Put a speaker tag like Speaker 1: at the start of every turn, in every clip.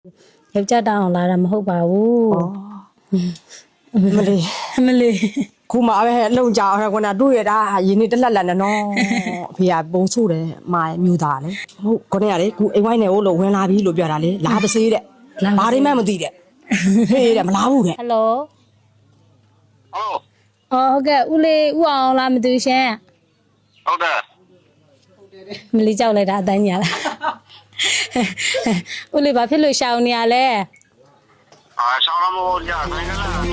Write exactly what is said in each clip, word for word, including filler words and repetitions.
Speaker 1: ယောက်ျားတောင်းအောင်လာတာမဟုတ်ပါဘူးမလေးမလေး
Speaker 2: ခုမှပဲလုံကြအောင်ကွာတို့ရတာရင်းနေတက်လက်လက်နဲ့နော်အဖေကပုံဆိုးတယ်မာမျိုးသားလေဟုတ်ခေါင်းရလေခုအိမ်ဝိုင်းနေလို့ဝင်လာပြီလို့ပြောတာလေလာပစေးတဲ့ဘာတွေမှမသိတဲ့ဟေးတဲ့မလားဘူးတဲ့
Speaker 1: ဟယ်လိုဟုတ်အော်ဟုတ်ကဲ့ဦးလေးဦးအောင်လားမသိရှင်
Speaker 3: ဟုတ်တယ်
Speaker 1: မလေးကြောက်လိုက်တာအတိုင်းညာလားဦးလေးဘာဖြစ်လို့ရှောင်နေရလဲ
Speaker 3: အာရှောင်းမလို့ကြာဆိုင်ကလား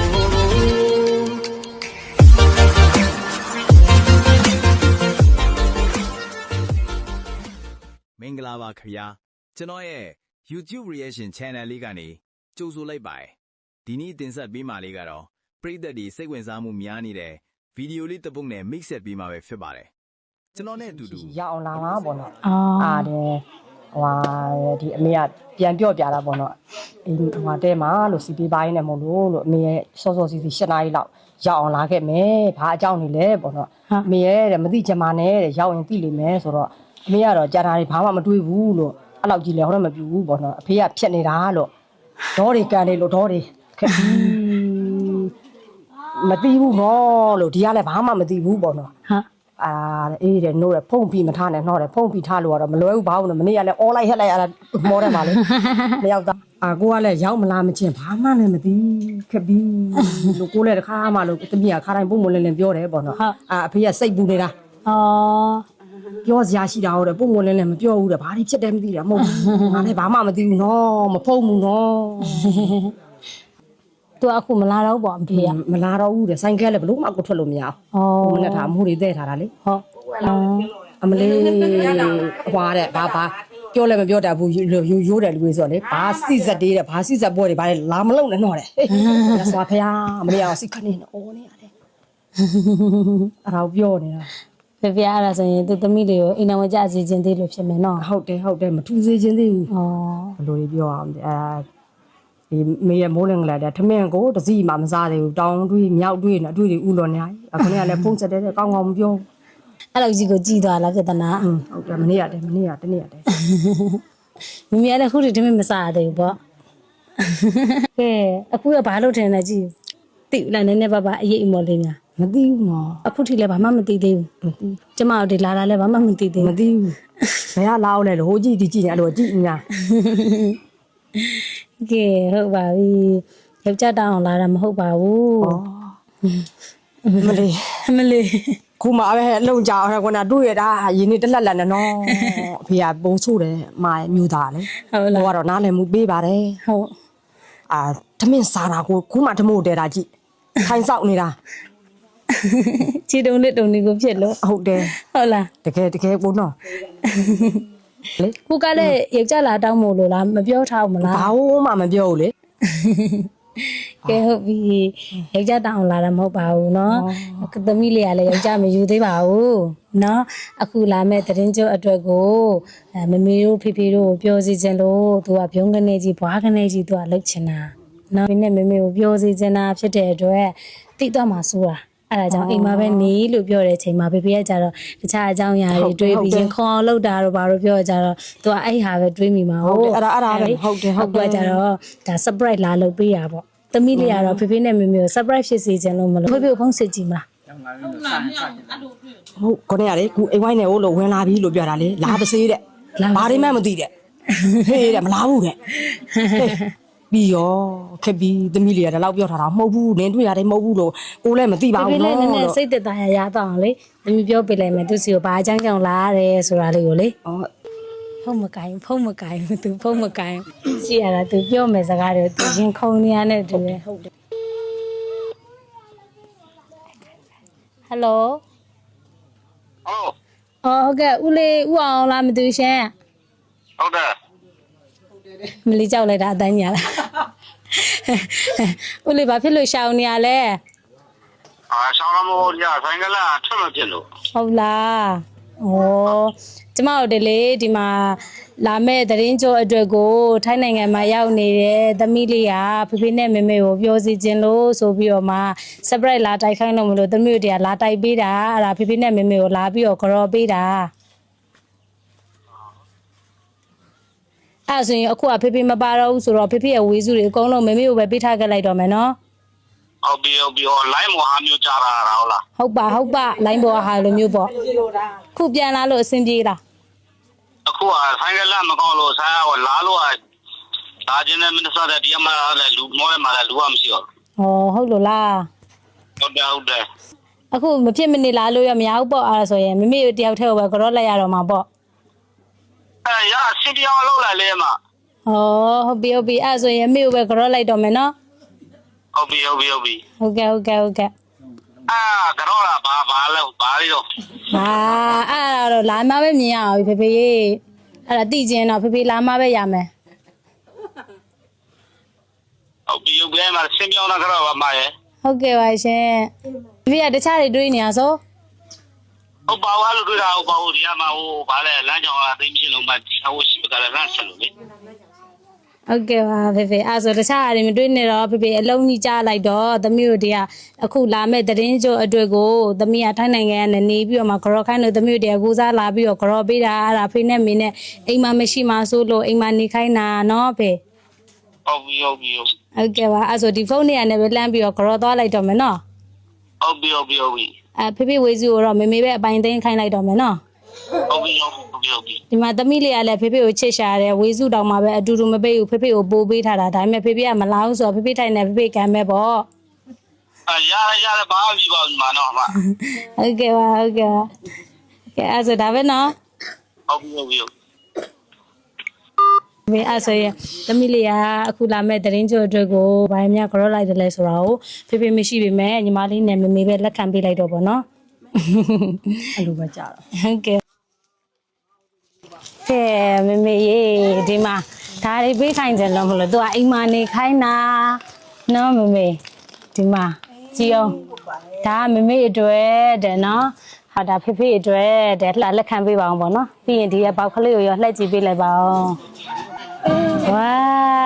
Speaker 4: မင်္ဂလာပါခင်ဗျာကျွန်တော်ရဲ့ YouTube reaction channel လေးကနေကြိုဆိုလိုက်ပါတယ်ဒီနေ့တင်ဆက်ပေးမှာလေးကတော့ပရိသတ်တွေစိတ်ဝင်စားမှုများနေတဲ့ဗီဒီယိုလေးတစ်ပုဒ်နဲ့ mix ဆက်ပေးမှာပဲဖြစ်ပါတယ်ကျွန်တော်နဲ့အတူတူ
Speaker 2: ရအောင်လာမှာပေါ့နော်အားတယ်ဟွာဒီအမေကပြန်ပြော့ပြတာပေါ့နော်အင်းဟွာတဲမှာလို့စီပေးပိုင်းနဲ့မလို့လို့အမေရဲ့စောစောစီစီ၈နာရီလောက်ရောက်အောင်လာခဲ့မယ်ဘာအကြောင်းနေလဲပေါ့နော်အမေရဲ့တဲ့မသိချင်ပါနဲ့တဲ့ရောက်ရင်သိလိမ့်မယ်ဆိုတော့အမေကတော့ကြာတာတွေဘာမှမတွေးဘူးလို့အဲ့လောက်ကြီးလဲဟောတော့မပြူဘူးပေါ့နော်အဖေကဖြက်နေတာလို့ဒေါတွေကန်နေလို့ဒေါတွေခက်ပြီးမသိဘူးနော်လို့ဒီကလည်းဘာမှမသိဘူးပေါ့နော်ဟာအာအေးတယ်နိုးတယ်ဖုံးပြီးမထားနဲ့နှောတယ်ဖုံးပြီးထားလို့ကတော့မလွယ်ဘူးဘာလို့မနေ့ကလည်းအော်လိုက်ဟက်လိုက်အဲ့ဒါမောတယ်ပါလေမရောက်တော့အာကိုကလည်းရောက်မလားမချင်းဘာမှလည်းမသိခက်ပြီးလို့ကိုလည်းတစ်ခါမှလို့တမီးကခါတိုင်းပုံမလင်းလင်းပြောတယ်ပေါ့နော်အာအဖေကစိတ်ပူနေတာ
Speaker 1: အော်
Speaker 2: ပြောစရာရှိတာဟုတ်တယ်ပုံမလင်းလင်းမပြောဘူးတဲ့ဘာတွေဖြစ်တယ်မသိတာမဟုတ်ဘူးငါလည်းဘာမှမသိဘူးနော်မဖုံးဘူးနော်
Speaker 1: သူအခုမလာတော့ပေါ့အဖေက
Speaker 2: မလာတော့ဘူးတဲ့ဆိုင်ကဲလည်းဘလို့မှအခုထွက်လို့မရအောင်ဩမနဲ့ထားမိုးတွေတဲ့ထားတာလေ
Speaker 1: ဟုတ်
Speaker 2: အမလေးဟွာတဲ့ဘာဘာပြောလည်းမပြောတတ်ဘူးရိုးရိုးတယ်လူတွေဆိုလေဘာစိစက်တေးတဲ့ဘာစိစက်ပွဲတွေဘာလဲလာမလုံးနဲ့တော့တဲ့ဟေးဆွာဖယားအမလေးအောင်စိတ်ခနေနဲ့အော်နေရတယ်အဲ့ဒါပြောနေတာ
Speaker 1: ဖေဖေအဲ့ဒါဆိုရင်သူသမီးလေးကိုအိမ်တော်ကြစီခြင်းသေးလို့ဖြစ်မယ်နော်
Speaker 2: ဟုတ်တယ်ဟုတ်တယ်မထူးစေခြင်းသေးဘူးဩဘယ်လိုတွေပြောအောင်အဲဒီမေရမိုးလင်္ဂလာတဲ့ထမင်းကိုတစည်းမှမစားသေးဘူးတောင်းတွေးမြောက်တွေးနဲ့အတွေ့တွေဥလော်နေရအခုနေ့ကလည်းဖုန်းဆက်တယ်ကောင်းကောင်းမပြော
Speaker 1: အဲ့လိုကြီးကိုကြည်သွားလားပြဿနာ
Speaker 2: อืมဟုတ်တယ်မနေ့ရတယ်မနေ့ကတနေ့ရတယ်
Speaker 1: မမရလည်းခုတည်းထမင်းမစားသေးဘူးပေါ့ကဲအခုကဘာလို့ထင်လဲကြည်သိလားနည်းနည်းပါးပါအရေးအမော်လေးများ
Speaker 2: မသိဘူးနော်
Speaker 1: အခုထိလည်းဘာမှမသိသေးဘူးမသိကျမတို့ဒီလာတာလည်းဘာမှမသိသေး
Speaker 2: ဘူးမသိဘူးဘယ်ကလာအောင်လဲလို့ဟိုကြည့်ဒီကြည့်နေအဲ့လိုကြည့်ညာ
Speaker 1: ကဲဟုတ်ပါပြီယောက်ျားတောင်းအောင်လာတာမဟုတ်ပါဘူး
Speaker 2: မလေး
Speaker 1: မလေး
Speaker 2: ခုမှပဲလုံကြအောင်ကွာတို့ရတာရင်းနေတက်လက်လက်နဲ့နော်အဖေကပုံဆိုးတယ်မာမျိုးသားလေ
Speaker 1: ဟုတ်လား
Speaker 2: ဟိုကတော့နားလည်မှုပေးပါတယ်
Speaker 1: ဟုတ်
Speaker 2: အာသမင်းစားတာကိုခုမှဓမို့တဲတာကြည့်ထိုင်ဆောက်နေတာ
Speaker 1: ခြေတုံးနဲ့တုံနေကိုဖြစ်လို့
Speaker 2: ဟုတ်တယ်
Speaker 1: ဟုတ်လား
Speaker 2: တကယ်တကယ်ပုံနော်
Speaker 1: လေကိုကလည်းယောက်ျားလာတောင်းမို့လို့လားမပြောထားဘူးမလား
Speaker 2: ဘာလို့မှမပြောဘူးလေ
Speaker 1: ကဲဟုတ်ပြီယောက်ျားတောင်းအောင်လာတာမဟုတ်ပါဘူးเนาะသမီးလေးကလည်းယောက်ျားမယူသေးပါဘူးเนาะအခုလာမဲ့တရင်ကျော်အတွက်ကိုမမေတို့ဖေဖေတို့ပြောစီခြင်းလို့သူကဘုံကနေကြီးဘွားကနေကြီးသူကလှုပ်ချင်တာเนาะဒီနဲ့မေမေကိုပြောစီခြင်းတာဖြစ်တဲ့အတွက်တိတော့မှစိုးတာအဲ့ဒါကြောင့်အိမ်မှာပဲနေလို့ပြောတဲ့အချိန်မှာဖေဖေကကြတော့တခြားအကြောင်းအရာတွေတွေးပြီးရင်ခေါ်အောင်လုပ်တာတော့ဘာလို့ပြောကြတော့သူကအဲ့ဟာပဲတွေးမိမှာ
Speaker 2: ဟုတ်အဲ့ဒါအဲ့ဒါပဲဟုတ်တယ်ဟုတ်
Speaker 1: တယ်ကြတော့ဒါ surprise လာလုပ်ပေးတာပေါ့သမီးလေးကတော့ဖေဖေနဲ့မေမေကို surprise ဖြစ်စေချင်လို့မလို့ဖေဖေကိုဖုန်းစစ်ကြည့်မှာ
Speaker 2: ဟုတ်ခေါင်းရလေခုအိမ်ဝိုင်းနေလို့ဝင်လာပြီလို့ပြောတာလေလာပစေးတဲ့ဘာတွေမှမသိတဲ့ဟေးတဲ့မလားဘူးတဲ့ပြီးရောခက်ပြီးသမီးလေးကလည်းလောက်ပြောထားတာမဟုတ်ဘူးနင်းတွေ့ရတယ်မဟုတ်ဘူးလို့ကိုလည်းမသိပါဘူးနော်
Speaker 1: ဖေဖေလည်းနည်းနည်းစိတ်သက်သာရရတော့အောင်လေသမီးပြောပြလိုက်မယ်သူစီကိုဘာအကြောင်းကြောင့်လာရတယ်ဆိုတာလေးကိုလေဖုန်းမကိုင်းဖုန်းမကိုင်းသူဖုန်းမကိုင်းရှိရတာသူပြောမယ်စကားတွေသူရင်ခုံနေရတဲ့တူတယ်ဟုတ်တယ်ဟယ်လို
Speaker 3: ဟုတ်
Speaker 1: အော်ဟုတ်ကဲ့ဦးလေးဦးအောင်လားမသိရှင်
Speaker 3: ဟုတ်တယ်
Speaker 1: မလေးကြောက်လိုက်တာအတိုင်းညာလားဦးလေးဘာဖြစ်လို့ရှောင်နေရလဲ
Speaker 3: အာရှောင်းမလို့ကြာဆိုင်ကလားထွက်မဖြစ်လို့
Speaker 1: ဟုတ်လားဩကျမတို့ဒီလေဒီမှာလာမဲ့တရင်ကျော်အတွက်ကိုထိုင်းနိုင်ငံမှာရောက်နေတဲ့သမီးလေးကဖေဖေနဲ့မေမေကိုပြောစီခြင်းလို့ဆိုပြီးတော့မှ surprise လာတိုက်ခိုင်းလို့မလို့သမီးတို့တရားလာတိုက်ပေးတာအဲ့ဒါဖေဖေနဲ့မေမေကိုလာပြီးတော့ကြော်ပေးတာအဲ့ဆိုရင်အခုကဖေဖေမပါတော့ဘူးဆိုတော့ဖေဖေရဲ့ဝေစုတွေအကုန်လုံးမမေကိုပဲပေးထားခဲ့လိုက်တော့မယ်နော်
Speaker 3: ဟုတ်ပြီဟုတ်ပြီဟော line မဟာမျိုးကြားတာဟုတ်လား
Speaker 1: ဟုတ်ပါဟုတ်ပါလိုင်းပေါ်ဟာလိုမျိုးပေါ့ခုပြန်လာလို့အဆင်ပြေလား
Speaker 3: အခုကဆိုင်ကလမကောင်းလို့ဆိုင်ကလာလို့လာခြင်းနဲ့မင်းစားတဲ့ဒီမှာလည်းလူမောရမှာလည်းလူကမရှိတော့
Speaker 1: ဟောဟုတ်လို့လား
Speaker 3: ဟုတ်တယ်ဟုတ်တယ်
Speaker 1: အခုမဖြစ်မနေလာလို့ရမရဘူးပေါ့အဲ့ဒါဆိုရင်မမေတယောက်တည်းကိုပဲကြောလိုက်ရတော့မှာပေါ့
Speaker 3: အဲရစင်ပြောင်းလောက်လာလေမှာ
Speaker 1: ဟောဟုတ်ပြီဟုတ်ပြီအဲ့ဒါဆိုရင်မမေကိုပဲကြောလိုက်တော့မယ်နော်
Speaker 3: ဟုတ်ပြီဟုတ်ပြီဟုတ်ပြီ
Speaker 1: ဟုတ်ကဲ့ဟုတ်ကဲ့ဟုတ်ကဲ့
Speaker 3: အာကတော့လာဘာဘာလဲဘာလေးတော့
Speaker 1: ဟာအဲ့ဒါတော့လာမှပဲမြင်ရအောင်ဖေဖေရေအဲ့ဒါသိချင်းတော့ဖေဖေလာမှပဲရမယ်
Speaker 3: ဟုတ်ပြီဟုတ်ပြီမှာစင်ပြောင်းလာကတော့ဘာမှရဲ့
Speaker 1: ဟုတ်ကဲ့ပါရှင်ဖေဖေကတခြားတွေတွေးနေရဆို
Speaker 3: ဟုတ်ပါဘာလို့တွေ့တာဟုတ်ပါဘူးဒီကမှာဟိုဘာလဲလမ်းကြောင်ကသိမရှိလို့မှဒီဟိုရှိကလည်းလမ်းဆက်လို့လေ
Speaker 1: ဟုတ်ကဲ့ပါဖေဖေအဲ့ဆိုတခြားအရင်မတွေးနေတော့ဖေဖေအလုံးကြီးကြားလိုက်တော့သမီးတို့တည်းကအခုလာမဲ့သတင်းကြိုအတွက်ကိုသမီးကထိုင်းနိုင်ငံကနေနေပြီးတော့မှကြောခိုင်းလို့သမီးတို့တည်းကကိုစားလာပြီးတော့ကြောပေးတာအဲ့ဒါဖေနဲ့မေနဲ့အိမ်မှာမရှိမှဆိုလို့အိမ်မှာနေခိုင်းတာနော်ဖေ
Speaker 3: ဟုတ်ပြီဟုတ်ပြီဟုတ်
Speaker 1: ဟုတ်ကဲ့ပါအဲ့ဆိုဒီဖုန်းနဲ့ကနေပဲလမ်းပြီးတော့ကြောသွားလိုက်တော့မယ်နော်
Speaker 3: ဟုတ်ပြီဟုတ်ပြီဟုတ်ပြီ
Speaker 1: အဲဖေဖေဝေစုကိုတော့မေမေပဲအပိုင်သိမ်းခိုင်းလိုက်တော့မယ်နော်
Speaker 3: ဟုတ်ပြီဟုတ်ပြီဟုတ်ပြီ
Speaker 1: ဒီမှာသမီးလေးကလည်းဖေဖေကိုချစ်ရှာတယ်ဝေစုတောင်မှပဲအတူတူမပေးဘူးဖေဖေကိုပိုးပေးထားတာဒါပေမဲ့ဖေဖေကမလာဘူးဆိုတော့ဖေဖေထိုင်နေဖေဖေကံမဲ့ပေါ့
Speaker 3: အာရရရဘာမှမပြီးပါဘူးမနော်ဟာ
Speaker 1: ဟုတ်ကဲ့ပါဟုတ်ကဲ့ပါကဲအဲ့ဆိုဒါပဲနော်
Speaker 3: ဟုတ်ပြီဟုတ်ပြီ
Speaker 1: မေအဲ့ဆိုရင်သမီးလေးကအခုလာမဲ့သတင်းကြိုအတွက်ကိုဘာမှမကြောလိုက်တယ်လဲဆိုတာကိုဖေဖေမရှိပေမဲ့ညီမလေးနဲ့မေမေပဲလက်ခံပေးလိုက်တော့ပေါ့နော်
Speaker 2: အဲ့လိုပဲကြာတော့
Speaker 1: ဟုတ်ကဲ့ကဲမေမေရေဒီမှာဒါတွေပေးခိုင်းကြလို့မလို့သူကအိမ်မှာနေခိုင်းတာနော်မေမေဒီမှာကြည့်အောင်ဒါကမေမေအတွက်တဲ့နော်ဟာဒါဖေဖေအတွက်တဲ့လှလက်ခံပေးပါအောင်ပေါ့နော်ပြီးရင်ဒီရဲ့ပေါက်ကလေးကိုရောလှည့်ကြည့်ပေးလိုက်ပါအောင်ဝါ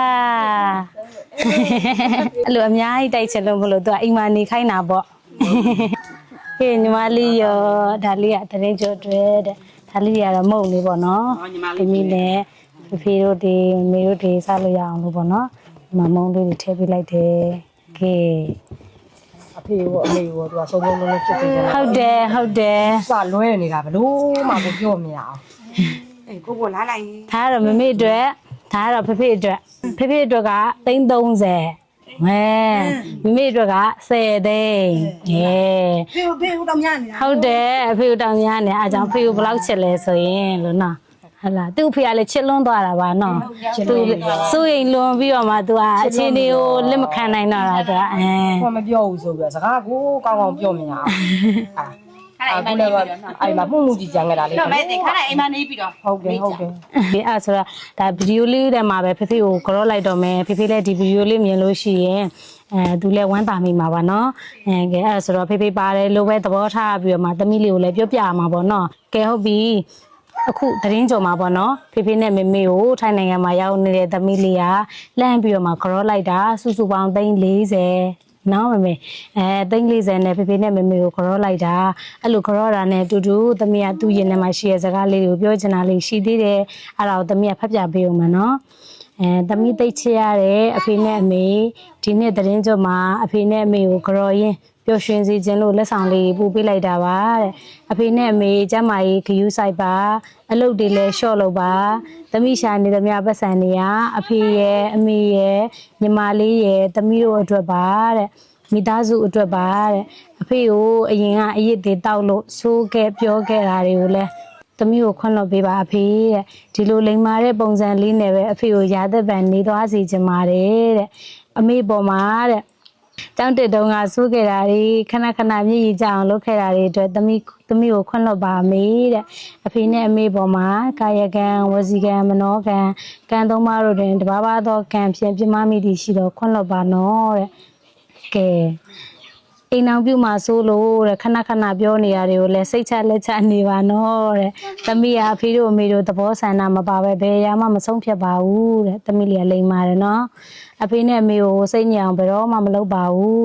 Speaker 1: အဲ့လိုအများကြီးတိုက်ချက်လို့မလို့သူကအိမ်မှာနေခိုင်းတာပေါ့ဟေးညီမလေးရောဒါလေးကတရင်ကျော်အတွက်တဲ့ဒါလေးကတော့မုံလေးပေါ့နော်ဒီမီနဲ့ဖေဖေတို့ဒီမေတို့ဒီစားလို့ရအောင်လို့ပေါ့နော်ဒီမှာမုံလေးတွေထည့်ပေးလိုက်တယ်ကဲ
Speaker 2: အဖေရောအမေရောသူကစုံစုံလုံးလုံးဖြစ်ပြီးကြတာ
Speaker 1: ဟုတ်တယ်ဟုတ်တယ်
Speaker 2: စလွဲနေတာဘလို့မှမပြောမရအောင်
Speaker 5: အေးကိုကိုလာလိုက်
Speaker 1: ဒါကတော့မမေအတွက်ဒါကတော့ဖေဖေအတွက်ဖေဖေအတွက်ကသိန်းသုံးဆယ်မဲမမေအတွက်ကဆယ်သိန်းဟဲ့
Speaker 5: ဖေဖေဦးတော့ညနေတာ
Speaker 1: ဟုတ်တယ်အဖေတောင်များနေအားကြောင့်ဖေကိုဘယ်လောက်ချစ်လဲဆိုရင်လို့နော်ဟလာသူ့ဖေကလည်းချစ်လွန်းသွားတာပါနော်သူစိုးရိမ်လွန်ပြီးတော့မှသူကအချင်းတွေကိုလက်မခံနိုင်တော့တာသူကအဲ
Speaker 2: ဘာမပြောဘူးဆိုပြီးတော့စကားကိုကောင်းကောင်းပြောမရအောင်အာအဲ့ဒါအဲ့မှာမှုမှုကြည့်ကြံကြတာလေ
Speaker 5: တော့မဲတင်ခါလိုက်အိမ်မနေပြီးတော့
Speaker 2: ဟုတ်တယ်ဟုတ်တယ်
Speaker 1: ဒီအဲ့ဆိုတော့ဒါဗီဒီယိုလေးထဲမှာပဲဖေဖေကိုကြောလိုက်တော့မယ်ဖေဖေလည်းဒီဗီဒီယိုလေးမြင်လို့ရှိရင်အဲသူလည်းဝမ်းသာမိမှာပါနော်အဲကဲအဲ့ဆိုတော့ဖေဖေပါတယ်လို့ပဲသဘောထားပြီးတော့မှသမီးလေးကိုလည်းပြောပြမှာပေါ့နော်ကဲဟုတ်ပြီအခုသတင်းကြုံမှာပေါ့နော်ဖေဖေနဲ့မေမေကိုထိုင်းနိုင်ငံမှာရောက်နေတဲ့သမီးလေးကလှမ်းပြီးတော့မှကြောလိုက်တာစုစုပေါင်းသိန်းလေးဆယ်နော်မမေအဲသိန်းလေးဆယ်နဲ့ဖေဖေနဲ့မေမေကိုကြောလိုက်တာအဲ့လိုကြောတာနဲ့တူတူသမီးကသူ့ရင်ထဲမှာရှိတဲ့စကားလေးကိုပြောချင်တာလေးရှိသေးတယ်အဲ့ဒါကိုသမီးကဖတ်ပြပေးအောင်မနော်အဲသမီးသိချရတဲ့အဖေနဲ့အမေဒီနေ့သတင်းကြုံမှာအဖေနဲ့အမေကိုကြောရင်းပျော်ရွှင်စေခြင်းလို့လက်ဆောင်လေးပို့ပေးလိုက်တာပါတဲ့အဖေနဲ့အမေကျမကြီးခယူးဆိုင်ပါအလုပ်တွေလည်းရှော့လို့ပါသမီးရှာနေသမျှပတ်စံနေရအဖေရဲ့အမေရဲ့ညီမလေးရဲ့သမီးတို့အတွက်ပါတဲ့မိသားစုအတွက်ပါတဲ့အဖေကိုအရင်ကအရစ်တွေတောက်လို့ဆိုးခဲ့ပြောခဲ့တာတွေကိုလည်းသမီးကိုခွင့်လွှတ်ပေးပါအဖေတဲ့ဒီလိုလိမ်မာတဲ့ပုံစံလေးနဲ့ပဲအဖေကိုရာသက်ပံနေသွားစီချင်ပါတယ်တဲ့အမေပေါ်မှာတဲ့ကျောင်းတက်တုန်းကစိုးခဲ့တာတွေခဏခဏမြည်ရကြအောင်လုပ်ခဲ့တာတွေအတွက်သမီးသမီးကိုခွင့်လွှတ်ပါမေတဲ့အဖေနဲ့အမေပေါ်မှာကာယကံဝစီကံမနောကံကံသုံးပါးတို့တွင်တဘာဘာသောကံဖြင့်ပြမမိသည်ရှိတော့ခွင့်လွှတ်ပါနော်တဲ့ကဲအိမ်အောင်ပြုမှာစိုးလို့တဲ့ခဏခဏပြောနေရတယ်ကိုလည်းစိတ်ချလက်ချနေပါနော်တဲ့သမီးကအဖေတို့အမေတို့သဘောဆန္ဒမပါပဲဘယ်ရာမှမဆုံးဖြတ်ပါဘူးတဲ့သမီးလေးကလိမ်မာတယ်နော်အဖေနဲ့အမေကိုစိတ်ညစ်အောင်ဘယ်တော့မှမလုပ်ပါဘူး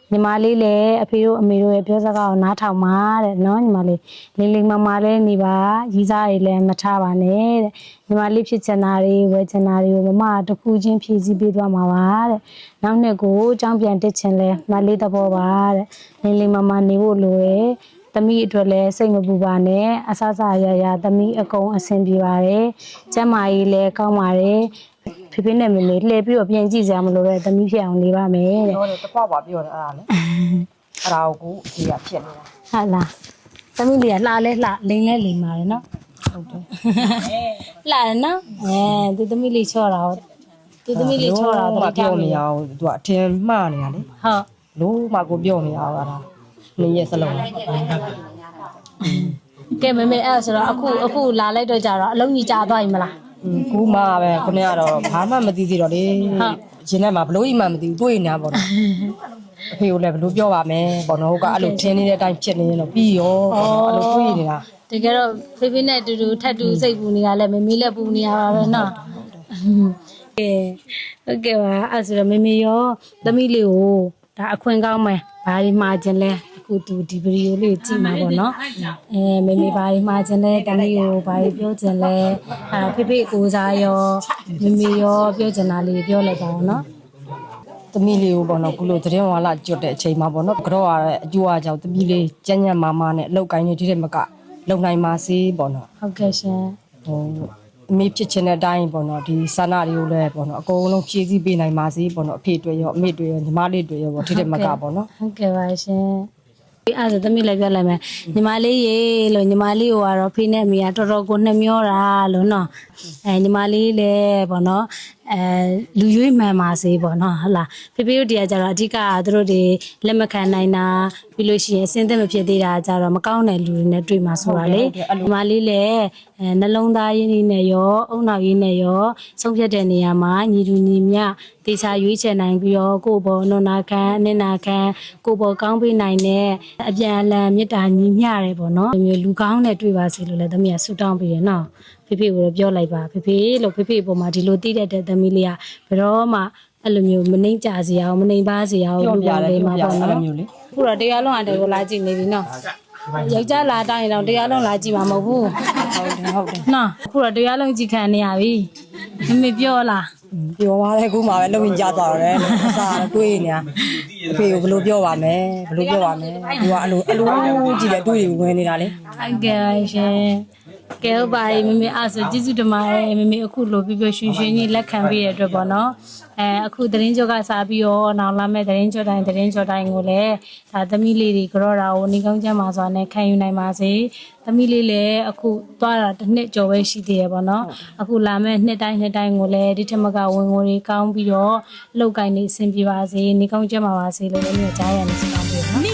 Speaker 1: ညီမလေးလည်းအဖေတို့အမေတို့ရဲ့ပြောစကားကိုနားထောင်ပါတဲ့နော်ညီမလေးလေးလေးမမလေးနေပါရီးစားတွေလည်းမထားပါနဲ့တဲ့ညီမလေးဖြစ်ချင်တာတွေဝယ်ချင်တာတွေကိုမမတစ်ခုချင်းဖြည့်ဆည်းပေးသွားမှာပါတဲ့နောက်နှစ်ကိုအကြောင်းပြန်တက်ချင်လဲမလေးသဘောပါတဲ့လေးလေးမမနေဖို့လိုတယ်သမီးအတွက်လည်းစိတ်မပူပါနဲ့အဆဆရရသမီးအကုန်အဆင်ပြေပါတယ်ကျမ်းမာရေးလည်းကောင်းပါတယ်ဖေဖေနဲ့မေမေလှည့်ပြီးတော့ပြန်ကြည့်စရာမလိုတဲ့သမီးဖြစ်အောင်နေပါမယ်တဲ့
Speaker 2: ပြောတယ်တစ်ခွပါပြောတယ်အဲ့ဒါလေအဲ့ဒါကိုဒီကဖြစ်နေတာ
Speaker 1: ဟုတ်လားသမီးလေးကလှလဲလှလိန်လဲလိန်ပါတယ်နော်
Speaker 2: ဟုတ်တယ်
Speaker 1: လှတယ်နော်အဲသူသမီးလေးချော့တာဟုတ်သူသမီးလေးချော့တာ
Speaker 2: တော့
Speaker 1: တော့
Speaker 2: ပြောမရအောင်သူကအထင်မှားနေတာလေ
Speaker 1: ဟုတ်
Speaker 2: လို့မှကိုပြောမရအောင်အဲ့ဒါနင်းရဲ့စလုံး
Speaker 1: ကဲမမေအဲ့ဆိုတော့အခုအခုလာလိုက်တော့ကြတော့အလုံးကြီးကြာသွားပြီမလား
Speaker 2: ကူမှပဲခုနကတော့ဘာမှမသိသေးတော့လေရှင်ထဲမှာဘလို့ကြီးမှမသိဘူးတွေးနေတာပေါ့နော်အဖေကိုလည်းဘလို့ပြောပါမယ်ပေါ့နော်ဟိုကအဲ့လိုထင်းနေတဲ့အတိုင်းဖြစ်နေရင်တော့ပြီးရောအဲ့လိုတွေးနေတာ
Speaker 1: တကယ်တော့ဖေဖေနဲ့အတူတူထပ်တူစိတ်ပူနေတာလဲမမေလည်းပူနေရပါပဲနော်ကဲဟုတ်ကဲ့ပါအဲ့ဆိုတော့မမေရောသမီးလေးကိုဒါအခွင့်ကောင်းမယ်ဘာဒီမှာခြင်းလဲအခုသူဒီဗီဒီယိုလေးကြည့်မှာပေါ့နော်အဲမမေဘာဒီမှာခြင်းလဲတမီးကိုဘာဒီပြောခြင်းလဲအဲဖေဖေကိုစားရောမမေရောပြောခြင်းတာလေးပြောလိုက်ပါဦးနော်
Speaker 2: သမီးလေးကိုပေါ့နော်ခုလိုသတင်းဝါလာကျွတ်တဲ့အချိန်မှာပေါ့နော်ကြော့ရတဲ့အကျိုးအကြောင်းသမီးလေးကြမ်းကြမ်းမာမာနဲ့အလောက်ကိုင်းနေတဲ့မကလုံနိုင်ပါစေပေါ့နော်
Speaker 1: ဟုတ်ကဲ့ရှင်
Speaker 2: ဟိုအမေဖြစ်ချင်တဲ့အတိုင်းပေါ့နော်ဒီစာနာတွေကိုလည်းပေါ့နော်အကုန်လုံးဖြည့်ဆည်းပေးနိုင်ပါစေပေါ့နော်အဖေတွေရောအမေတွေရောညီမလေးတွေရောပေါ့ထိတဲ့မကပေါ့နော်
Speaker 1: ဟုတ်ကဲ့ပါရှင်ဒီအဲ့ဒါသမီးလည်းပြောလိုက်မယ်ညီမလေးရေလို့ညီမလေးကိုကတော့ဖေးနဲ့အမေကတော်တော်ကိုနှမျောတာလို့နော်အဲညီမလေးလည်းပေါ့နော်အဲလူရွေးမှန်ပါစေပေါ့နော်ဟုတ်လားဖေဖေတို့တရားကြတော့အဓိကသူတို့တွေလက်မခံနိုင်တာပြီးလို့ရှိရင်အစင်းသက်မဖြစ်သေးတာကြတော့မကောင်းတဲ့လူတွေနဲ့တွေ့မှာဆိုတာလေညီမလေးလည်းအဲနှလုံးသားရင်းနှီးနဲ့ရောအုံနောက်ရင်းနဲ့ရောဆုံးဖြတ်တဲ့နေရာမှာညီတူညီမျှတေချာရွေးချယ်နိုင်ပြီးတော့ကိုယ့်ဘောနုနာခံအနစ်နာခံကိုယ့်ဘောကောင်းပေးနိုင်တဲ့အပြန်အလှန်မေတ္တာညီမျှတယ်ပေါ့နော်ဒီမျိုးလူကောင်းနဲ့တွေ့ပါစေလို့လည်းသမီးကဆုတောင်းပေးရနော်ဖေဖေကိုပြောလိုက်ပါဖေဖေလို့ဖေဖေအပေါ်မှာဒီလိုတည်တဲ့သမီးလေးကဘယ်တော့မှအဲ့လိုမျိုးမနှိမ့်ကြစေအောင်မနှိမ့်ပါစေအောင်
Speaker 2: ပြောပြတယ်ပြောပြတယ်အဲ့လိုမျိုးလေ
Speaker 1: ခုတော့တရားလုံးအတဲကိုလာကြည့်နေပြီနော်ယောက်ျားလာတိုင်းတော့တရားလုံးလာကြည့်မှာမဟုတ်ဘူး
Speaker 2: ဟုတ်တယ်ဟုတ်တယ်
Speaker 1: နော်ခုတော့တရားလုံးကြည့်ခံနေရပြီမမေပြောလား
Speaker 2: ပြောပါလေခုမှပဲလုံရင်ကြသွားတော့တယ်အစားတွေးနေတာအဖေကိုဘလို့ပြောပါမယ်ဘလို့ပြောပါမယ်သူကအဲ့လိုအဲ့လိုကြည့်တယ်တွေးဝင်နေတာလေ
Speaker 1: ဟုတ်ကဲ့ရှင်ကဲဟုတ်ပါပြီမမေအဲ့ဆိုကျေးဇူးတင်ပါတယ်မမေအခုလိုပြပြရွှင်ရွှင်ကြီးလက်ခံပေးရတဲ့အတွက်ပေါ့နော်အဲအခုသတင်းကြောကစားပြီးတော့နောက်လာမဲ့သတင်းကြောတိုင်းသတင်းကြောတိုင်းကိုလည်းဒါသမီးလေးတွေကြောတာကိုနေကောင်းချမ်းပါစွာနဲ့ခံယူနိုင်ပါစေသမီးလေးလည်းအခုသွားတာတစ်နှစ်ကျော်ပဲရှိသေးရပေါ့နော်အခုလာမဲ့နှစ်တိုင်းနှစ်တိုင်းကိုလည်းဒီထက်မကဝင်ငွေတွေကောင်းပြီးတော့အလုပ်ကိုင်းနေအဆင်ပြေပါစေနေကောင်းချမ်းပါပါစေလို့လည်းကြားရနေစတောင်းပေးနော်